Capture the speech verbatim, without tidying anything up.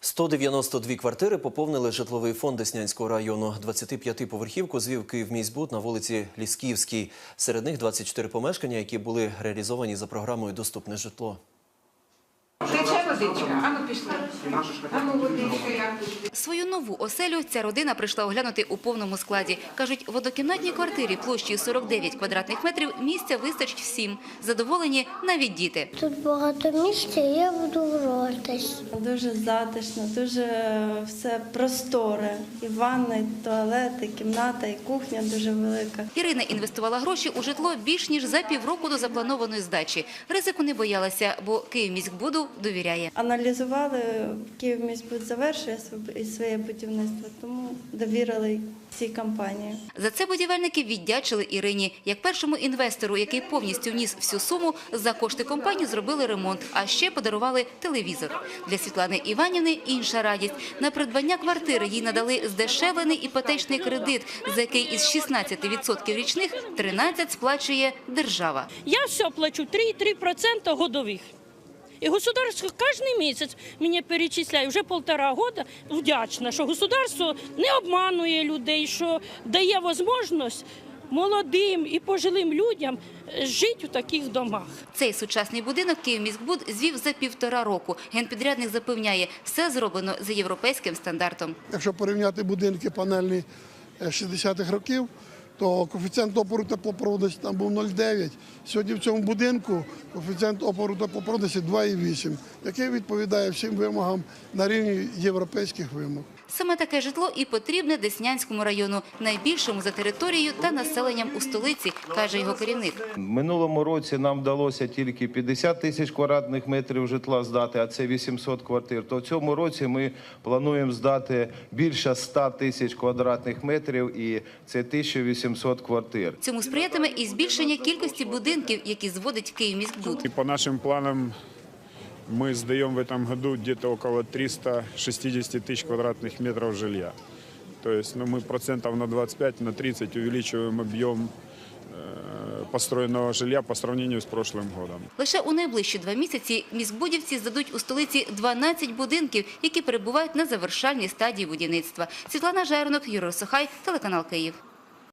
сто дев'яносто дві квартири поповнили житловий фонд Деснянського району. двадцятип'ятиповерхівку звів Київміськбуд на вулиці Лісківській. Серед них двадцять чотири помешкання, які були реалізовані за програмою «Доступне житло». Тече водичка, а ну пішли. А ну водичка. Свою нову оселю ця родина прийшла оглянути у повному складі. Кажуть, в однокімнатній квартирі площею сорок дев'ять квадратних метрів місця вистачить всім. Задоволені навіть діти. Тут багато місця, і я буду гратись. Дуже затишно, дуже все просторе. І ванна, і туалет, і кімната, і кухня дуже велика. Ірина інвестувала гроші у житло більш ніж за півроку до запланованої здачі. Ризику не боялася, бо Київміськбуду довіряє. Аналізували, Київміськбуд завершує своє будівництво, тому довірили цій компанії. За це будівельники віддячили Ірині. Як першому інвестору, який повністю вніс всю суму, за кошти компанії зробили ремонт, а ще подарували телевізор. Для Світлани Іванівни інша радість. На придбання квартири їй надали здешевлений іпотечний кредит, за який із шістнадцяти відсотків річних тринадцять сплачує держава. Я все плачу три і три десятих відсотка годових. І государство кожен місяць мені перечисляє, вже півтора року, вдячна, що государство не обманює людей, що дає можливість молодим і пожилим людям жити у таких домах. Цей сучасний будинок Київміськбуд звів за півтора року. Генпідрядник запевняє, все зроблено за європейським стандартом. Якщо порівняти будинки панельні шістдесятих років, то коефіцієнт опору теплопроводності там був нуль цілих дев'ять. Сьогодні в цьому будинку коефіцієнт опору теплопроводності два цілих вісім, який відповідає всім вимогам на рівні європейських вимог. Саме таке житло і потрібне Деснянському району, найбільшому за територією та населенням у столиці, каже його керівник. Минулому році нам вдалося тільки п'ятдесят тисяч квадратних метрів житла здати, а це вісімсот квартир. То в цьому році ми плануємо здати більше ста тисяч квадратних метрів, і це тисяча вісімсот квартир. Цьому сприятиме і збільшення кількості будинків, які зводить Київміськбуд. И по нашим планам мы сдаем в этом году где-то около триста шестьдесят тысяч квадратных метров жилья. То есть ну, мы процентов на двадцать пять, на тридцать увеличиваем объем э, построенного жилья по сравнению с прошлым годом. Лише у найближчі два місяці міськбудівці здадуть у столиці дванадцять будинків, які перебувають на завершальній стадії будівництва. Світлана Жернок, Юрій Сухай, телеканал Київ.